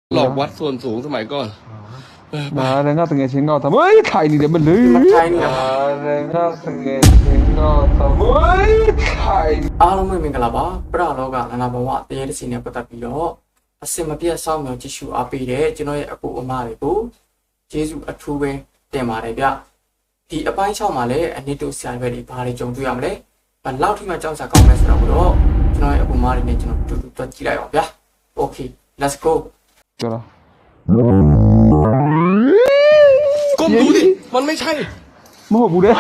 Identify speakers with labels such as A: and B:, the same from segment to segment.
A: หลอกวัดส่วนสูงสมัยก่อน
B: มาแล้วน่าตึงเชิงก็ทำเฮ้ยถ่ายนี่เดี๋ยวมันเลยมาแล้วน่าตึงเชิงก็ทำเฮ้ยถ่าย
C: အားလုံးပဲမင်္ဂလာပါပရလောကနာနာဘဝတရားတစ်စီနဲ့ပတ်သက်ပြီးတော့အစင်မပြတ်စောင့်မျှော်ကြည့်ရှုအားပေးတဲ့ကျွန်တော်ရဲ့အကူအမတွေကိုကျေးဇူးအထူးပဲတင်ပါတယ်ဗျဒီအပိုင်း6မှာလည်းအနည်းတူဆရာတွေတွေဘာတွေကြုံတွေ့ရမလဲဘယ်လောက်ထိမှကြောက်စရာကောင်းလဲဆိုတော့ကျွန်တော်ရဲ့အကူအမတွေနဲ့ကျွန်တော်တူတူတွက်ကြည့်လိုက်အောင်ဗျာ Okay let's go
B: ကြောက်
A: ก้มดูดิมันไม่ใช่
B: မဟုတ်ဘူးလေ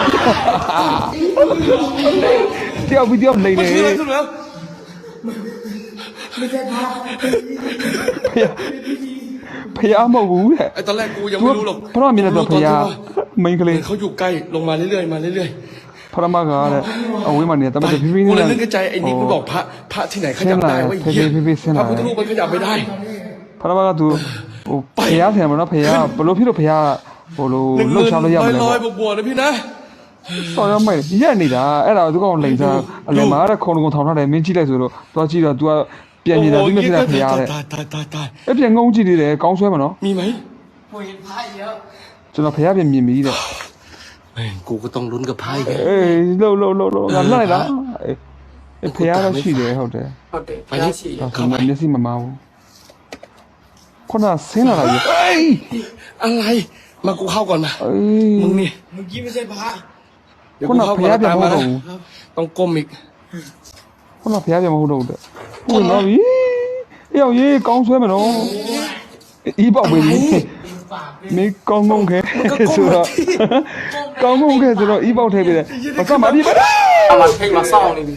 B: တယောက်ပြီးတယောက်နေနေ
A: คืออะไรขึ้นแล้ว
B: ဖျားမဟုတ်ဘူးတဲ့
A: ไอ้ตอนแรกกูยังไม่รู้หรอก
B: พระမြင်တဲ့ဖျားမိန်းကလေး
A: เขาอยู่ใกล้ลงมาเรื่อยๆมาเรื่อย
B: พระမကတဲ့အဝေးမှာနေแต่มันจะพี่
A: ๆ
B: ๆ
A: กู
B: นี่
A: เลยนึกในใจไอ้นิกมันบอกพระที่ไหนขยับได้วะไอ้เหี้ยพระพุทธรูปมันขยับไม่ได้
B: พระมကသူဟိုဖျားတယ်မနော်ဖျားဘလို့ဖြစ်လို့ဖျားဟိုလိုလှုပ်ရှားလို့ရမလဲ
A: ลอยๆบวกๆนะพี่นะ
B: ဆော်ရမိုက်ရက်နေတာအဲ့ဒါသူကောင်လိန်စားအလယ်မှာတဲ့ခုံကုံထောင်ထားတယ်မင်းကြည့်လိုက်ဆိုတော့သွားကြည့်တော့ तू ကပြန်နေတာသူမဖြစ်တာဖျားတဲ့
A: ตาย
B: အဲ့ပြန်ငုံကြည့်သေးတယ်ကောင်းဆွဲမနော်
A: มีไหม
C: ဝင်ဖားရော
B: ကျွန်တော်ဖျားပြန်မြင်ပြီတဲ့
A: แม่งกูก็ต้องลุ้นกับไพ่แก
B: အေးလှုပ်ငါလိုက်လားအေးဖျားတော့ရှိတယ်ဟုတ်တယ်
C: ဟုတ်တယ်ဖားရှိတယ်
B: ဒါကမှမျက်စိမမာဘူးခုနဆင်းလာတာကြီးအေး
A: อะไรมากูเข้าก่อนมา
B: အေး
A: มึงนี่
C: เมื่อกี้ไม่ใช่พระ
A: เดี๋ยวกูเข้าก่อนตามมานะต้องก้มอีก
B: ခုနဖျားပြန်မဟုတ်တော့ဘူးတဲ့ဝင်တော့ပြီအေးအောင်ရေးကောင်းဆွဲမနော်အီးပေါက်ပြီမင်းကောင်းငုံခဲဆိုတော့ကောင်းငုံခဲဆိုတော့အီးပေါက်ထဲပြီတဲ့ဘာကမှမပြီးပါ
C: အမထိတ်မစောင့်နေပြီ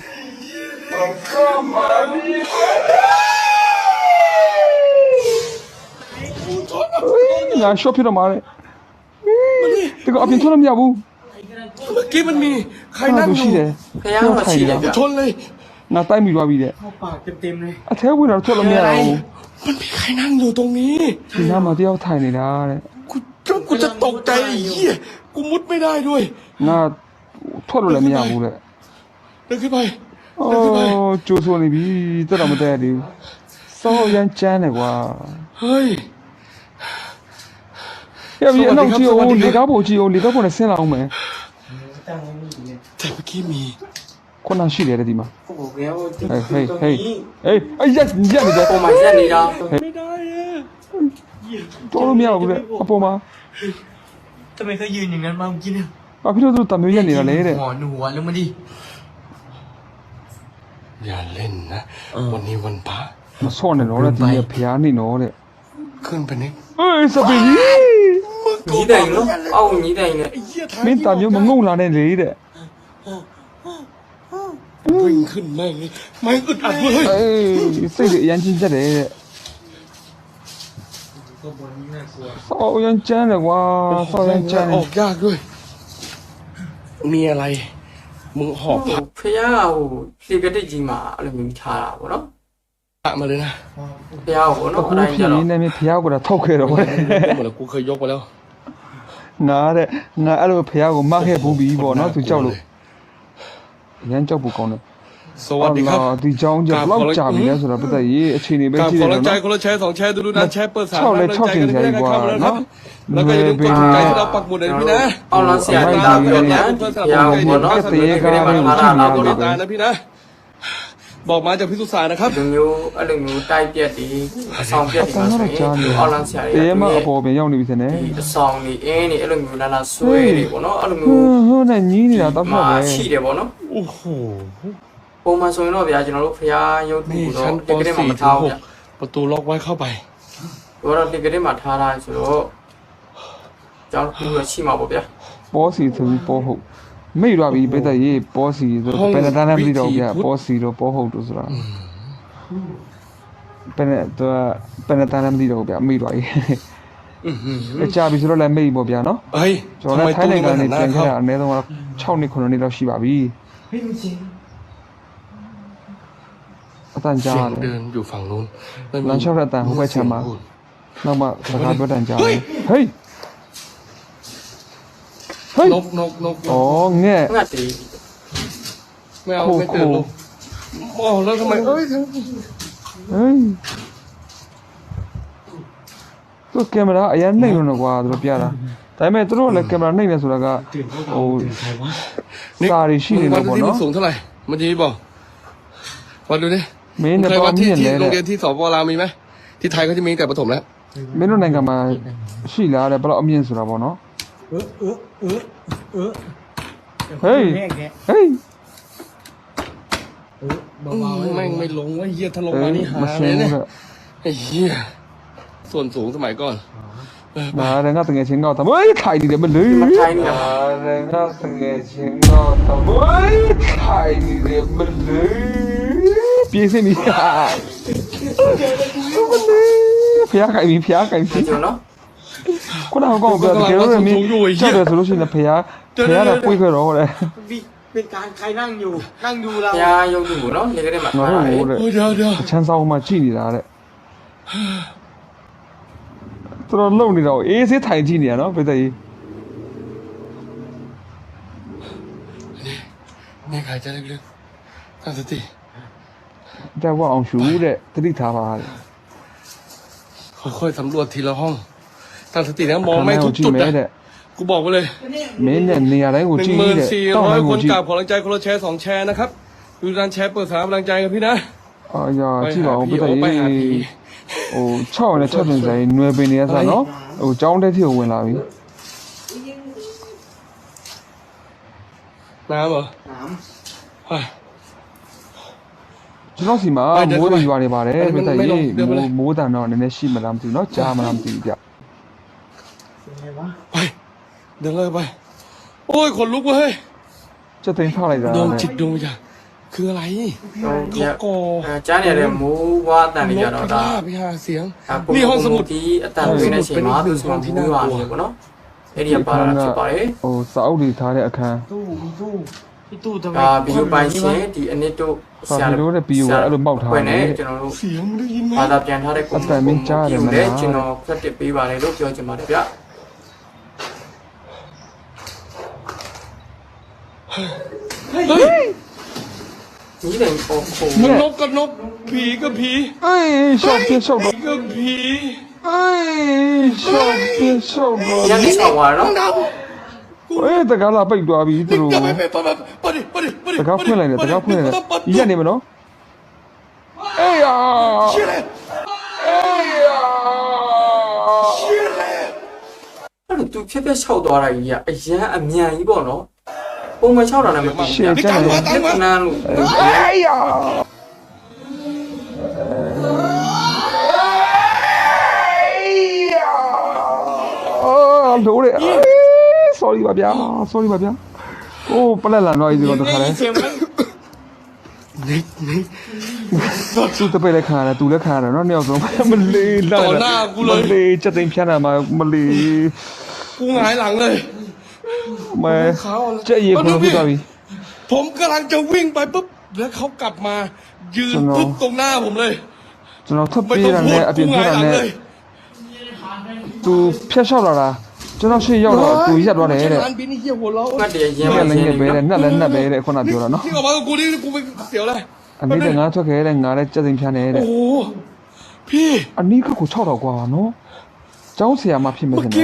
B: ငါရှော့ဖြစ်တော့မှာလေဒီကအပြင်ထွက်လို့မရဘူး
A: เมื่อกี้มันมีใครนั่ง
B: သူ
A: อ
B: ရှိ
A: ยู่
B: တယ်
C: ဖះမှာရှိတယ်ဗျ
A: ชนเลย
B: ငါတိုက်မိသွားပြီတဲ့
C: ဟောပါเต็มๆเลย
B: အထဲဝင်တော့ထွက်လို့မရဘူး
A: มันมีใครนั่งอยู่ตรงนี้
B: ဒီနားမှာတယောက်ထိုင်နေတာတဲ့
A: กูจะตกใจไอ้เหี้ยกูมุดไม่ได้ด้วย
B: ငါထွက်လို့လည်းမရဘူးတဲ့
A: เดินขึ้นไป
B: အော်ကျိုးဆိုနေပြီတက်တော့မတက်ရသေးဘူးစောရမ်းချမ်းတယ်ကွာ
A: เฮ้ย
B: ရပြီအနောက်ကြည့်အောင်လေကားပေါ်ကြည့်အောင်လေကားပေါ်နဲ့ဆင်းလာအောင်မယ်
A: แต่เมื่อกี้มี
B: ခုနရှိတယ်တဲ့ဒီမှာ
C: ဟိုဘယ်ဟို
B: ဟေးအေးရက်နေတယ်
C: ပုံမှန်ရက်နေတာ
A: ไม่ได้อะ
B: တော်လို့မရဘူးတဲ့အပေါ်မှာ
C: ทำไมเขายืนอย่างนั้นมาเมื่อกี้เนี่ย
B: ဘာဖြစ်လို့သူတမျိုးရက်နေတာလဲတဲ့
C: หัวหนูหัวลงมาดิ
A: อย่าเล่นนะวันนี้วันพระ
B: မဆော့နဲ့တော့တဲ့ဒီကဖျားနေတော့တဲ့
A: ขึ้นไปนิด
B: အေးစပင်းကြီး
C: ညီးတိုင်နော်အောက်ညီးတိုင်နဲ့
A: ไอ้เหี้ยท้าย
B: မင်းတမျိုးမငုံလာနဲ့လေတဲ့
A: วิ่งขึ้นแม่งเลยไม่อึดอัดเว้ย
B: အေးစိတ်တွေအရန်ချင်းချက်တယ်တဲ့
C: ก็บนนี้น่ากลัว
B: ဆော့ရမ်းချမ်းတယ်ကွာဆော့ရမ်းချမ်းတ
A: ออกยากด้วย มีอะไร มึงหอบ
C: ဟိုဖះဟိုလေကတိကြီးမှာအဲ့လိုမျိုးထားတာပေါ့နော်
A: พระมาเลยนะ
C: ဖះဟိုနော်
B: အခု
C: အဲ့ဒါ
B: ဖြစ်
C: ကြတော့
B: နေနေဖျားကထောက်ခဲ့တော့
A: หมดแล้วกูเคยยกมาแล้ว
B: ငါတဲ့ငါအဲ့လိုဖျားကိုမခဲ့ဘူးပြီပေါ့နော်သူကြောက်လို့ရမ်းကြောက်ဖို့ကောင်းတယ်
A: สวัสดีครับ
B: ဒီเจ้าကြောက်လောက်ကြာပြီလဲဆိုတော့ပတ်သက်ရေးအခြေအနေပဲ
A: กราบ
B: ကြည့်
A: ข
B: ရ
A: อ
B: တယ်
A: รังใจ
B: နော်
A: คนละแชร์2แชร์ดูนะแชร์เปิด3
B: 6เลย6ချိန်ကြာပြီကွာနော်
A: แล้วก็อย่าลืมกดถูกใจที่เราปักหมุดเลยพี่นะ
C: အောက်လမ်းဆရာကြီးလာပြီးတော့ညာဖះဟိုပေါ့နော်ဒီကနေ့မှာထားတာပေါ့နော်
A: ตายนะพี่นะ บอกมาจากพิสุสารนะครับ
C: ဒီမျိုးအဲ့လိုမျိုးတိုက်ပြက်တွေအဆောင်ပြက်တွေ
B: အ
C: မှာ
B: ဆောင်
C: ဆို
B: တော့
C: ရင်
B: ကြားနေ
C: အောက်လမ်းဆရာကြီး
B: တေးမအပေါ်ပြန်ရောက်နေပြီစနေ
C: ဒီအဆောင်တွေအင်းတွေအဲ့လိုမျိုးလာလာဆွဲတွေပေါ့နော်အဲ့လို
B: ဟွ
C: မျိုး
B: န်းနဲ့ညီးနေတာတော့
C: မှာ
B: ပဲ
C: ရှိတယ်ပေါ့နော်
A: โอ้โห
C: ပုံမှန်ဆိုရင်တော့ဗျာကျွန်တော်တို့ဖះရုပ်ထု
A: นี่
C: တော့
A: ชั้นป
C: ဒီကနေ့မှာမ
A: .4
C: ထား
A: ถึง
C: ဘူးဗျ
A: 6ประตูล็อกไว้เข้าไป
C: ဘောတော့ဒီကနေ့မှာထားတာဆိုတော့ကျောင်းကူရရှိမှာပေါ့ဗျာ
B: ပေါ်စီဆိုပြီးပေါ်ဟုတ်မိတ်သွားပြီပတ်သက်ရေးပေါ်စီဆိုဘယ်နဲ့တန်းနဲ့မသိတော့ဗျာပေါ်စီတော့ပေါ်ဟုတ်တို့ဆိုတာဘယ်နဲ့သူဘယ်နဲ့တန်းနဲ့မသိတော့ဗျာမိတ်သွားပြီ
A: อื้อหือ
B: အကြပြီဆိုတော့လည်းမိတ်ပေါ့ဗျာနော်
A: เฮ้ย
B: ကျွန်
A: ทำ
B: တော်
A: ไม
B: လည်းထို
A: ตู้
B: င်းနို
A: นี้
B: င်
A: มั
B: ငံ
A: นหั
B: နေ
A: นหน้า
B: ပြန်ခဲ့
A: เข้า
B: တာအနည်းဆုံးတော့6နှစ်9နှစ်လောက်ရှိပါပြီ
C: ဟေးမချင်း
B: အတန်ကြား
A: เสียง
B: တယ်
A: เดินอยู่ฝั่งนู้นแล้วมี
B: လမ်းလျှောက်တဲ့အတန်ဟိုဘက်ခြမ်းမှာ
A: พูด
B: နောက်မှစကားပြောတန်ကြားတယ်ဟေးဟေး
A: นกนกนก
B: ဩငဲ့
C: ငတ်တယ်
A: ไม่เอาไม่ตื่นลูกอ๋อแล้วทำไมเอ้ย
B: ဟေးသူကင်မရာအရင်နှိမ့်လို့ကွာသူတို့ပြတာဒါပေမဲ့သူတို့လည်းကင်မရာနှိမ့်နေဆိုတာကဟိုစာရီရှိနေလို့ပေါ့
A: ที่มัน
B: နော်
A: สูงเท่าไหร่เมื่อกี้บอกมาดูดิ
B: မင်းနဲ့
A: เคย
B: ပေါ
A: วัด
B: င်း
A: ที่
B: မြင့်
A: ที่
B: လဲ
A: โรงเรี
B: တဲ့
A: ยนที่สปลาวมีไหมที่ไทยเขาจะมีแต่ประถมแล้ว
B: မင်းတို့နိုင်ငံမှာရှိလားတဲ့ဘယ်တော့အမြင့်ဆိုတာပေါ့နော်ဟေးဟေး
A: แม่งไม่ลงว่าเฮียถ้าลงมานี่หา
B: မ
A: เล
B: ရှ
A: ย
B: င်း
A: เนี่ย
B: ဘူးတဲ့
A: ไอ้เฮียส่วนสูงสมัยก่อน
B: ဒါလည်းငါတကယ်ချင်းကောက်တာဝေးထိုင်နေတယ်မလို့
C: မထိုင်နေတာ
B: ဒါလည်းငါတကယ်ချင်းကောက်တာဝေးထိုင်နေတယ်မလို့ပြေးစင်းနေဟာဖျားခိုင်ပြီဖျားခိုင်ပြီ
C: ကျွန်တော်နော်
B: ခုနကပြောတကယ်လို့မင်းကြောက်တယ်ဆိုလို့ရှိရင်ဖျားကပွေးခွဲတော့တဲ့
D: เป็นการใครนั่งอยู่นั่งดูเรา
C: ဘုရားယုံကြည်ကိုနော်နေကလေးမှာ
B: ငါ
C: ထားတာလေ
B: တို့တဲ့
A: โอ้ยเดี๋ยวเดี๋ยว
B: ချမ်းဆောင်မှကြည့်နေတာတဲ့တော်တော်လုံနေတော့အေးဆေးထိုင်ကြည့်နေရနော်ပိတ်သက်ကြီး
A: นี่ใครจะลึกๆตั้งสติ
B: တက်ဝအောင်ရှူတဲ့တတိထားပါတဲ့
A: ค่อยๆสำรวจทีละห้องตั้งสตินะมองไม่ทุกจุด
B: မဲ
A: นะ
B: တဲ့
A: กูบอกไว้เลย
B: မင်းနဲ့နေရာတိုင်းကို
A: หนึ่
B: ကြ
A: ง
B: ည့်
A: หมื่น
B: တဲ့
A: สี่
B: တောင်း
A: ร้อย
B: တိုင်း
A: ค
B: ကို
A: น
B: ကြည့်
A: กราบขอกำลังใจคนละแชร์2 แชร์นะครับดูการแชร์เปิดสถานกำลังใจกับพี่นะ
B: အာရကြည့်ပါဦးပိတ်သက်
A: ไป
B: ကြီး
A: หาผี
B: ဟို6နဲ့6တင်ဆိုင်နွယ်ပင်နေရစနော်ဟိုចောင်းတဲ့ထိကိုဝင်လာပြီ
A: น้ำเหรอ
D: ถาม
A: เฮ้ย
B: ကျွန်တော်စီမှာ
A: ဟုတ်တယ်
B: မိုးတွေရွာနေပါတယ်
A: ဟုတ်တယ်
B: ပိတ်သက်
A: ไม่
B: ကြီး
A: ลงเดี๋ยวไปเลย
B: မိုးတန်တော့နည်းနည်းရှိမလားမသိဘူးเนาะကြားမလားမသိဘူးဗျ
D: เป็นไงวะ
A: ไปเดินเลยไป โอ้ยขนลุกเว้ย
B: စက်သိမ်းထားလိုက်တာ
A: ดวง
B: တဲ့
A: จิตดวงวิญญาณคืออะไร
C: ဒီက
A: เขาก่อ
C: ကြားနေရတဲ့မိုးဝါးတန်တွေ
A: น
C: ကြ
A: ก
C: တော့
A: พิ
C: ဒါ
A: ราบไปหาเสียง
C: အခု
A: นี่ห้องสมุด
C: ဒီအတန်တွေနဲ့ချိန်မှာသူစမဘူးရွာနေပေါ့နော်အဲ့ဒီကပါတာဖြစ်ပါတယ်
B: ဟိုစာအုပ်တွေထားတဲ့အခန်း
D: ตู้มีตู้พี่ตู้ทำไม
C: ဒါဗီဒီယိုပိုင်ရှင်ဒီအနစ်တို့
B: ဗီဒီယိုတဲ့ဗီဒီယိုကအဲ့လိုပေါက်ထား
C: ခွ
B: တ
C: င့်
B: ယ်
C: နဲ့ကျွန်တော်တို့
A: เสียงมึงได้ยินไหม
C: ဘာသာပြန်ထားတဲ့ကို
B: အတန်မင်းကြားရတယ်မလား
C: ကျွန်တော်ဖတ်တစ်ပေးပါတယ်လို့ပြောချင်ပါတယ်ဗျ
A: เฮ้ย
C: ဒီလည်းပုံပုံ
A: มันนกกับนกผีกับผี
B: အေးရှောက်ပြရှောက်
A: ผี
B: တော့
A: กับผี
B: အေးရှောက်ပြရှောက်တော့
C: ရန်နေဆောင်သွားတော့
B: အေးတကားလာပိတ်သွားပြီသူတို့
A: ไปดิไปดิไปดิ
B: တကားဖွင့်လိုက်တယ်တကားဖွင့်လိုက်တယ်ရက်နေမနော်အေးယာ
A: เชี่ยเลย
B: အေးယာ
A: เชี่ยเลย
C: အဲ့လိုသူဖြက်ဖြက်လျှောက်သွားတာကြီးကအရန်အမြန်ကြီးပေါ့နော်ပုံမှန်လျှောက်တာလည်းမသိဘူး
B: ရှေ့ကျန်တယ်
C: လက်ကနန်းလို့
B: အေးယာအော်လို့ရ sorry ပါဗျာ sorry ပါဗျာโอ้ပလက်လာတော့ဒီတော့တခါလဲ
D: เสียงไหม
B: သူတပည့်လည်းခံရတယ်သူလည်းခံရတယ်เนาะနှစ်ယောက်ဆုံးမလေးလာမလေးချက်သိမ်းဖြတ်တာမှာမလေး
A: กูหงายหลังเลย
B: မဲချက်ရည်ဘယ်လိုဖြစ်သွားပြီ
A: ผมกำลังจะวิ่งไปปุ๊บแล้วเขากลับมายืนปุ๊บตรงหน้าผมเลย
B: ကျွန်တော်ထပ်
A: ไม่
B: ပြေး
A: ต้อง
B: တာ
A: พู
B: နဲ့
A: ด
B: အပြင်
A: กูห
B: ထွက်
A: งาย
B: တာ
A: หลัง
B: နဲ့
A: เลย
B: သူဖျက်လျှောက်လာတာကျွန်တော်ရှေ့ရောက်တော့သူရက်သွားတယ်တဲ့
A: ร้านบินนี่เหี้ยหัวเราะ
C: ငတ်တယ်ရန်
B: ည
C: မ
B: က်လည်း
C: ရ
B: ည
C: န်
B: က်ပဲတဲ့နှက်လည်းနှက်ပဲတဲ့ခုနပြောတာเนาะ
A: ที่ออกมากับกูนี่กูไปเสียวเลย
B: အနည်းကငါထွက်ခဲ့တဲ့ငါလည်းချက်သိမ်းဖြတ်နေတဲ့
A: โอ้โหพี่
B: အနီးကကို6000กว่าเนาะကျောင်းဆရာမဖြစ်မယ်
A: เมื่อ
B: ခင်ဗျ
A: กี้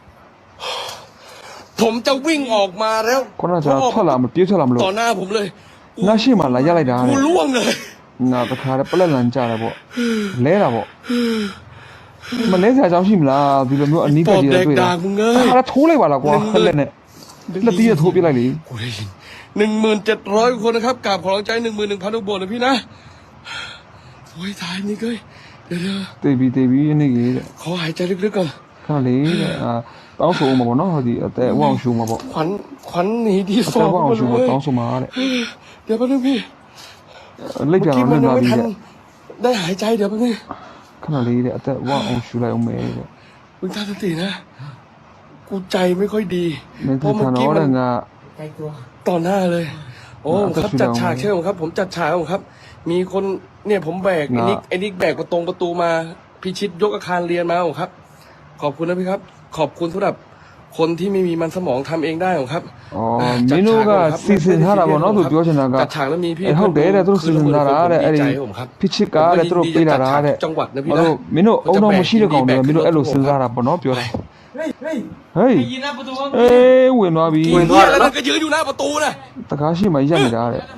A: ผมจะวิ่งออกมาแล้ว
B: ခုနကကျွန်တော်ထွက်လာမပြေးထွက်လာမလို့
A: ต่อหน้าผมเลย
B: ငါရှိမှလာရက်လိုက်တာ
A: กู
B: တဲ့
A: ล่วงเลย
B: ငါတခါတည်းပလက်လန်ကြတယ်ပေါ့လဲတာပေါ့မလဲစရာအကြောင်းရှိမလားဒီလိုမျိုးအနီးက
A: ปอบ
B: ကြီး
A: แด
B: တွေ
A: ก
B: တွေ့
A: ด่า
B: တာ
A: มึงเล
B: တ
A: ย
B: ခါတည်းထိုးလိုက်ပါလားကွာလက်နဲ့လက်တီးရထိုးပြလိုက်လေ
A: กูได้ยิน1700 คนนะครับกราบขอร้องใจ 11,000 ลูกบวชนะพี่นะโอ้ยตายนี่เก้ยเดี๋ยว
B: တေးပြီးအနေကြီးတဲ့
A: ขอหายใจลึกๆก่อน
B: ခဏလေးတဲ့တောင်းဆိုမှာပေါ့နော်ဟိုဒီအသက်ဝအောင်ရှူမှာပေါ့
A: ขวัญหนีที่
B: အ
A: ฟอ
B: သက်
A: ร์ม
B: ဝအောင်
A: มา
B: ရှူ
A: เล
B: မှာ
A: ย
B: တောင်းဆိုမှာတဲ့
A: เดี๋ยวแป๊บนึงพี่
B: လက်ကြ
A: เมื่อ
B: တော့
A: กี้
B: လွ
A: มัน
B: တ်
A: ยัง
B: သွားပြီတဲ့
A: ไม่ทันได้หายใจเดี๋ยวแป๊บนึง
B: ခဏလေးတဲ့အသက်ဝအောင်ရှူလိုက်အောင်မယ်တဲ့
A: มึงตั้งสตินะ กูใจไม่ค่อยดี
B: မင်း
A: เพราะ
B: ထ
A: เมื่อ
B: န်
A: กี้
B: တော့
A: มั
B: တဲ့
A: น
B: ငါ
D: ใจกลัว
A: ต่อหน้าเลย โอ้ผมครับจัดฉากใช่ไหมครับ ผมจัดฉากครับ มีคนเนี่ยผมแบกไอ้นิกแบกประตูมาพิชิตยกอาคารเรียนมาครับ ขอบคุณนะพี่ครับ ขอบคุณสำหรับคนที่ไม่มีมันสมองทำเองได้หรอครับ
B: อ๋อမင်းတို့ကစီစဉ်ထားတာပေါ့နော်သူပြောချင်တာက
A: จัดฉากแล้วมีพี่
B: ဟုတ်တယ်တဲ့သူတို့စီစဉ်ထားတာတဲ့အဲ့ဒီဖြစ်ချစ်ကားတဲ့သူတို့ပေးလာတာတဲ့
A: จังหวัดนะพี่
B: မ
A: นะ
B: တို့မင်းတို့အုံတော့မရှိတဲ့ကောင်တွေမင်းတို့အဲ့လိုစဉ်းစားတာပေါ့နော်ပြောတာ
D: เฮ้ยเฮ้ย
B: ဟေး
D: ได้ยินนะประตูว่า
B: အေးဝင်သွားပြီ
A: ဝင်သွားတယ်แล้วก็ยืนอยู่หน้าประตูนะ
B: တကားရှိမှရက်နေတာတဲ့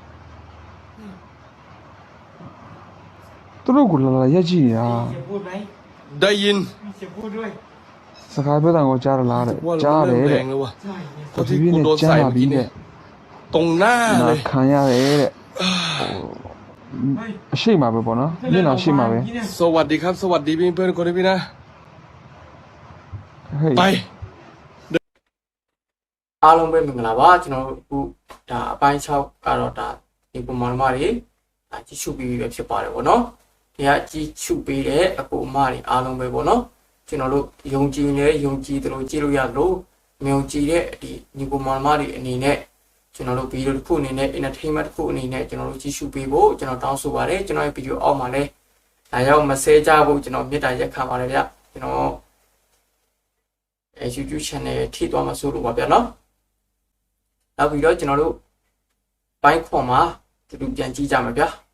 B: သူတို့ကလာရက်ကြည့်နေတာ
D: เสียงพูดไหม
A: ได้ยิน
D: มีเสียงพูดด้วย
B: စကားပြောတာကိုကြားရလားတဲ့
A: ว่า
B: ကြား
A: เรา
B: တယ်
A: เริ่มแร
B: တဲ့
A: งแล้ววะ
D: ใช่เนี่ย
A: เพราะที่กูโดนใส่เมื่อกี้เนี่ยตรงหน้าเลย
B: ခံရတယ်တဲ့
D: เฮ้ย
B: အရှိမပဲပေါ့နော်မျက်နှာရှိမပဲ
A: สวัสดีครับ สวัสดีพี่เพื่อนคนนี้พี่นะ
B: ဟေး
A: ไป
C: အားလုံးပဲမင်္ဂလာပါကျွန်တော်တို့အခုဒါအပိုင်း6ကတော့ဒါဒီပုံမှန်မှာတွေဒါကြည့်ရှုပြီးပဲဖြစ်ပါတယ်ဗောနော်ဒီကကြည့်ရှုပြီးတဲ့အကူအမတွေအားလုံးပဲဗောနော်ကျွန်တော်တို့ယုံကြည်နေယုံကြည်တယ်လို့ကြည့်လို့ရလို့မယုံကြည်တဲ့ဒီညီပုံမှန်တွေအနေနဲ့ကျွန်တော်တို့ဗီဒီယိုတစ်ခုအနေနဲ့ entertainment တစ်ခုအနေနဲ့ကျွန်တော်တို့ကြည့်ရှုပေးဖို့ကျွန်တော်တောင်းဆိုပါတယ်ကျွန်တော်ရဲ့ဗီဒီယိုအောက်မှာလည်းဒါရောက်မဆဲကြဖို့ကျွန်တော်မြတ်တာရက်ခံပါတယ်ဗျကျွန်တော်YouTube channel ထိသွားမှာဆိုလို့ပါဗျနော်နောက်ပြီးတော့ကျွန်တော်တို့ဘိုင်းခွန်မှာတူတူပြန်ကြည့်ကြမှာဗျာ